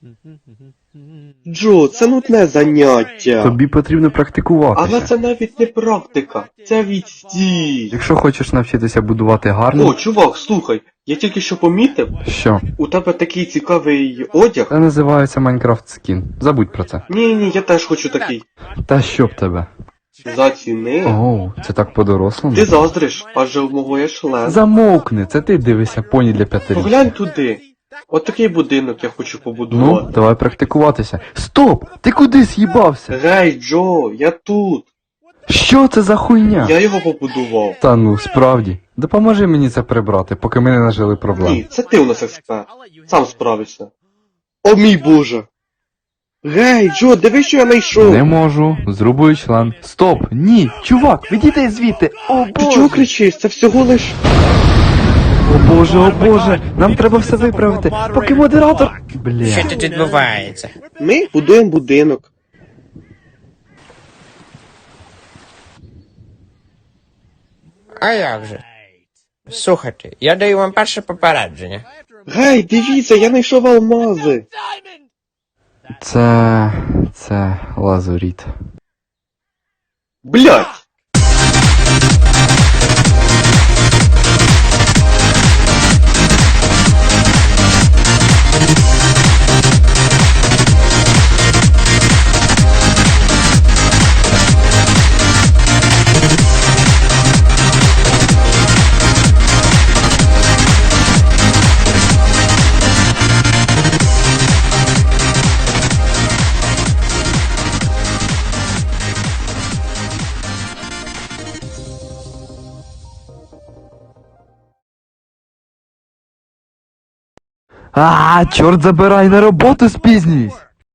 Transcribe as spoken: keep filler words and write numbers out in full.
Джо, це нудне заняття. Тобі потрібно практикуватися. Але це навіть не практика, це відстій. Якщо хочеш навчитися будувати гарно... О, чувак, слухай, я тільки що помітив, Що? у тебе такий цікавий одяг. Це називається Майнкрафт скін. Забудь про це. Ні-ні, я теж хочу такий. Та що б тебе? Заціни. Оу, це так по-дорослому. Ти заздриш, адже в мого є член. Замовкни, це ти дивишся поні для п'ятирічних. Поглянь туди. От такий будинок я хочу Ну, побудувати. давай практикуватися. Стоп! Ти куди з'їбався? Гей, Джо, я тут. Що це за хуйня? Я його побудував. Та ну, справді. Допоможи мені це прибрати, поки ми не нажили проблем. Ні, це ти у нас експерт. Сам справишся. О мій боже. Гей, Джо, диви, що я знайшов. Не можу. Зрубую член. Стоп! Ні! Чувак, відійди звідти! О Ти чого кричиш? Це всього лиш... О боже, о боже! Нам треба все виправити, поки модератор... Бля. Що тут відбувається? Ми будуємо будинок. А як же? Слухайте, я даю вам перше попередження. Гей, дивіться, я знайшов алмази. Це... це лазуріт. Блять! А, чорт забирай, на роботу спізнююсь!